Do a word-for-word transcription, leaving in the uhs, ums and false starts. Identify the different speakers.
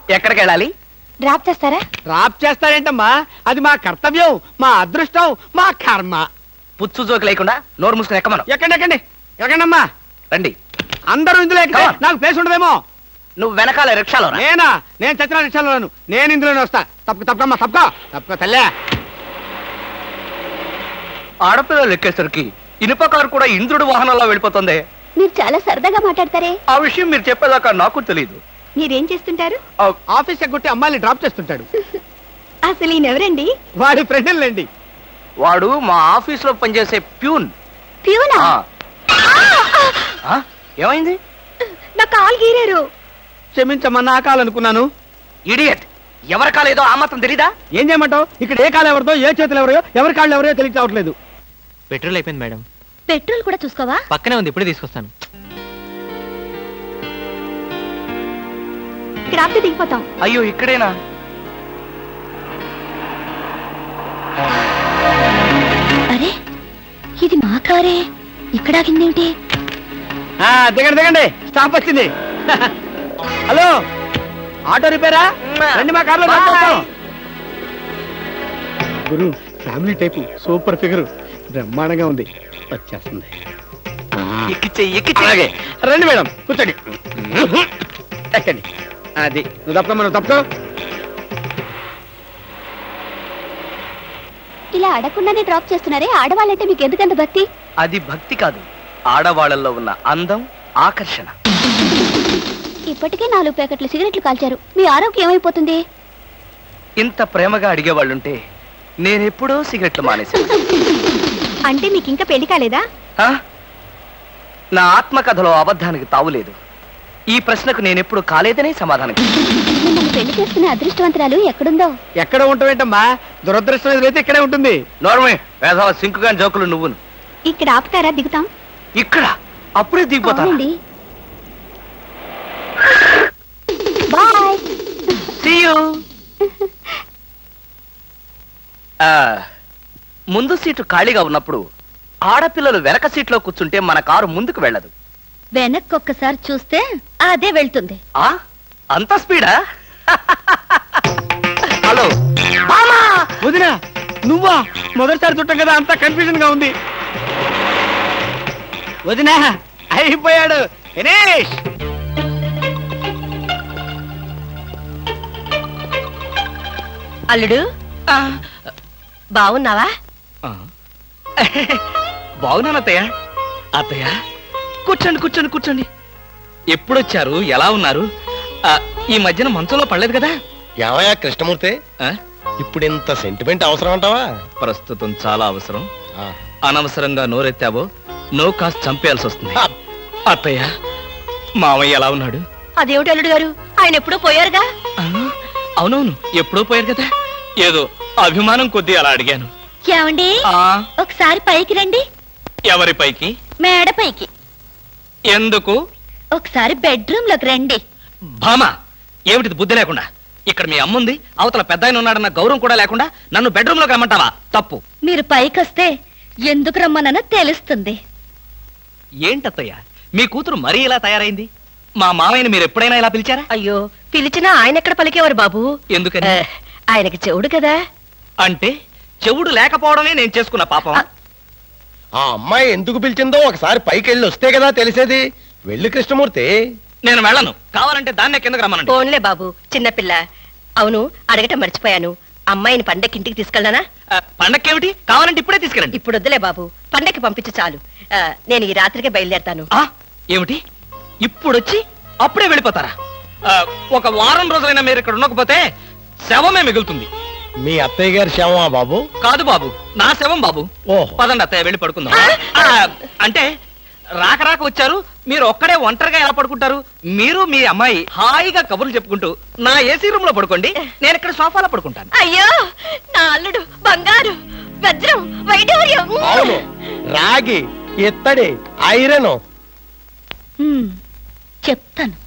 Speaker 1: ఎక్కడికి వెళ్ళాలి?
Speaker 2: డ్రాప్ చేస్తారా?
Speaker 3: డ్రాప్ చేస్తారేంటమ్మా, అది మా కర్తవ్యం, మా అదృష్టం, మా కర్మ.
Speaker 1: పుచ్చు జోకి లేకుండా నోరు మూసుకుని ఎక్కమను.
Speaker 3: ఎక్కండి ఎక్కండి ఎక్కండమ్మా.
Speaker 1: రండి.
Speaker 3: అందరూ ఇందులో ఎక్కితే నాకు ప్లేస్ ఉండదేమో.
Speaker 1: నువ్వు వెనకాల రిక్షాలో రా.
Speaker 3: నేనా? నేను చచ్చిన రిక్షాలోను. నేను ఇందులోనే వస్తా. తప్పక తప్పకమ్మా, తప్పక తప్పక తల్లే.
Speaker 1: ఆడపిల్లలు ఎక్కేసరికి ఇనుప కారు కూడా ఇంద్రుడు వాహనంలో వెళ్ళిపోతుంది.
Speaker 2: మీరు చాలా సరదాగా మాట్లాడతారే.
Speaker 1: ఆ విషయం మీరు చెప్పేదాకా నాకు తెలియదు.
Speaker 2: మీరేం చేస్తుంటారు?
Speaker 3: ఆఫీస్ ఎగ్గొట్టి అమ్మాయిని డ్రాప్ చేస్తుంటాడు.
Speaker 2: అసలు ఈయనెవరండి?
Speaker 3: వాడి ఫ్రెండ్లండి.
Speaker 1: వాడు మా ఆఫీస్ లో పనిచేసే ప్యూన్.
Speaker 2: ప్యూనా?
Speaker 1: ఏమైంది?
Speaker 2: నా కాలు గీరారు.
Speaker 3: క్షమించమ్మా, నా కాలనుకున్నాను.
Speaker 1: ఇడియట్, ఎవరి కాలేదో ఆ మాత్రం తెలీదా?
Speaker 3: ఏం చేయమంటావు? ఇక్కడ ఏ కాలు ఎవరిదో, ఏ చేతులు ఎవరో, ఎవరి కాళ్ళు ఎవరో తెలియక రావట్లేదు.
Speaker 4: పెట్రోల్ అయిపోయింది మేడం.
Speaker 2: పెట్రోల్ కూడా చూసుకోవా?
Speaker 4: పక్కనే ఉంది, ఇప్పుడే తీసుకొస్తాను.
Speaker 2: ఇక్కడ ఆపితే దిగిపోతాం.
Speaker 1: అయ్యో, ఇక్కడేనా?
Speaker 2: అరే, ఇది మా కారే. ఇక్కడ ఆగిందేమిటి?
Speaker 3: దిగండి దిగండి, స్టాప్ వచ్చింది. హలో, ఆటో రిపేరా? రండి మా కార్లో. గురు, ఫ్యామిలీ టైపు, సూపర్ ఫిగర్, బ్రహ్మాండంగా ఉంది. వచ్చేస్తుంది. అలాగే రండి మేడం, కూర్చోండి. ఎక్కండి. అది నువ్వు తప్ప మనం తప్పుకో.
Speaker 2: ఇలా అడగకుండానే డ్రాప్ చేస్తున్నారే, ఆడవాళ్ళంటే మీకు ఎందుకంత భక్తి?
Speaker 1: అది భక్తి కాదు, ఆడవాళ్ళల్లో ఉన్న అందం, ఆకర్షణ.
Speaker 2: ఇప్పటికే నాలుగు ప్యాకెట్లు సిగరెట్లు కాల్చారు, మీ ఆరోగ్యం ఏమైపోతుంది?
Speaker 1: ఇంత ప్రేమగా అడిగేవాళ్ళుంటే నేనెప్పుడో సిగరెట్లు మానేశాను.
Speaker 2: అంటే మీకు ఇంకా పెళ్లి కాలేదా?
Speaker 1: నా ఆత్మకథలో అబద్ధానికి తావులేదు. ఈ ప్రశ్నకు నేనెప్పుడు కాలేదనే సమాధానం.
Speaker 2: మిమ్మల్ని పెళ్లి చేసుకునే అదృష్టవంతరాలు ఎక్కడుందో.
Speaker 3: ఎక్కడ ఉంటావేంటమ్మా, దురదృష్టం ఎదురైతే ఇక్కడే ఉంటుంది.
Speaker 1: నోర్మే, వేసవ సింకుగా జోకులు నువ్వును.
Speaker 2: ఇక్కడ ఆపుతారా? దిగుతాం.
Speaker 1: ఇక్కడ అప్పుడే దిగిపోతానండి.
Speaker 2: బాయ్.
Speaker 1: See you. ముందు సీటు ఖాళీగా ఉన్నప్పుడు ఆడపిల్లలు వెనక సీట్లో కూర్చుంటే మన కారు ముందుకు వెళ్ళదు.
Speaker 2: వెనక్కి ఒక్కసారి చూస్తే అదే వెళ్తుంది.
Speaker 1: ఆ అంత స్పీడా? హలో
Speaker 3: వదినా, నువ్వా? మొదటిసారి చుట్టం కదా, అంతా కన్ఫ్యూజన్ గా ఉంది. వదినా, అయిపోయాడు, ఫినిష్.
Speaker 2: అల్లుడు, బాగున్నావా?
Speaker 4: బాగున్నాను అత్తయ్య. అత్తయ్య, కూర్చోండి కూర్చోండి కూర్చోండి. ఎప్పుడొచ్చారు? ఎలా ఉన్నారు? ఈ మధ్యన మంచంలో పడలేదు కదా?
Speaker 5: ఏమయ్యా కృష్ణమూర్తి, ఇప్పుడు ఇంత సెంటిమెంట్ అవసరం అంటావా?
Speaker 4: ప్రస్తుతం చాలా అవసరం. అనవసరంగా నోరెత్తావో నో కాస్త చంపేయాల్సి వస్తుంది. అత్తయ్య, మామయ్య ఎలా ఉన్నాడు?
Speaker 2: అదేమిటి అల్లుడు గారు, ఆయన ఎప్పుడూ పోయారుగా?
Speaker 4: అవునవును, ఎప్పుడో పోయారు కదా. ఏదో అభిమానం కొద్దీ అలా అడిగాను.
Speaker 2: ఏమండి, ఒకసారి పైకి రండి.
Speaker 4: ఎవరి పైకి?
Speaker 2: మేడ పైకి.
Speaker 4: ఎందుకు?
Speaker 2: ఒకసారి బెడ్రూమ్ లోకి రండి.
Speaker 4: భామా, ఏమిటిది బుద్ధి లేకుండా? ఇక్కడ మీ అమ్ముంది, అవతల పెద్ద ఆయన ఉన్నాడన్న గౌరవం కూడా లేకుండా నన్ను బెడ్రూమ్ లోకి రమ్మంటావా? తప్పు.
Speaker 2: మీరు పైకి వస్తే ఎందుకు రమ్మనో తెలుస్తుంది.
Speaker 4: ఏంటత్తయ్య, మీ కూతురు మరీ ఇలా తయారైంది? మా మామయ్యని మీరు ఎప్పుడైనా ఇలా పిలిచారా?
Speaker 2: అయ్యో, పిలిచినా ఆయన ఎక్కడ పలికేవారు బాబు?
Speaker 4: ఎందుకని?
Speaker 2: ఆయనకి చెవుడు కదా.
Speaker 4: అంటే చెవుడు లేకపోవడమే నేను చేసుకున్న పాపం.
Speaker 5: ఆ అమ్మాయి ఎందుకు పిలిచిందో ఒకసారి పైకి వెళ్ళి వస్తే కదా తెలిసేది. వెళ్ళి కృష్ణమూర్తి.
Speaker 4: నేను వెళ్ళను, కావాలంటే దాన్నే కిందకు రమ్మనండి.
Speaker 2: ఫోన్లే బాబు, చిన్నపిల్ల. అవును, అడగటం మర్చిపోయాను, అమ్మాయిని పండక్కి ఇంటికి తీసుకెళ్ళనా?
Speaker 4: పండక్కేమిటి, కావాలంటే ఇప్పుడే తీసుకెళ్ళండి.
Speaker 2: ఇప్పుడు వద్దులే బాబు, పండక్కి పంపించు చాలు. నేను ఈ రాత్రికే బయలుదేరతాను.
Speaker 4: ఏమిటి, ఇప్పుడొచ్చి అప్పుడే వెళ్ళిపోతారా? ఒక వారం రోజులైనా మీరు ఇక్కడ ఉండకపోతే శవమే మిగులుతుంది.
Speaker 5: మీ అత్తయ్య గారి శవమా బాబు?
Speaker 4: కాదు బాబు, నా శవం బాబు. పదండి అత్తయ్య, వెళ్ళి పడుకుందాం. అంటే రాక రాక వచ్చారు, మీరు ఒక్కడే ఒంటరిగా ఎలా పడుకుంటారు? మీరు మీ అమ్మాయి హాయిగా కబుర్లు చెప్పుకుంటూ నా ఏసీ రూమ్ లో పడుకోండి, నేను ఇక్కడ సోఫాలో పడుకుంటాను.
Speaker 2: అయ్యో, నా అల్లుడు బంగారు, వజ్రం, వైఢూర్యం.
Speaker 5: అవును, రాగి, ఇత్తడి, ఐరన్.
Speaker 2: చెప్తాను.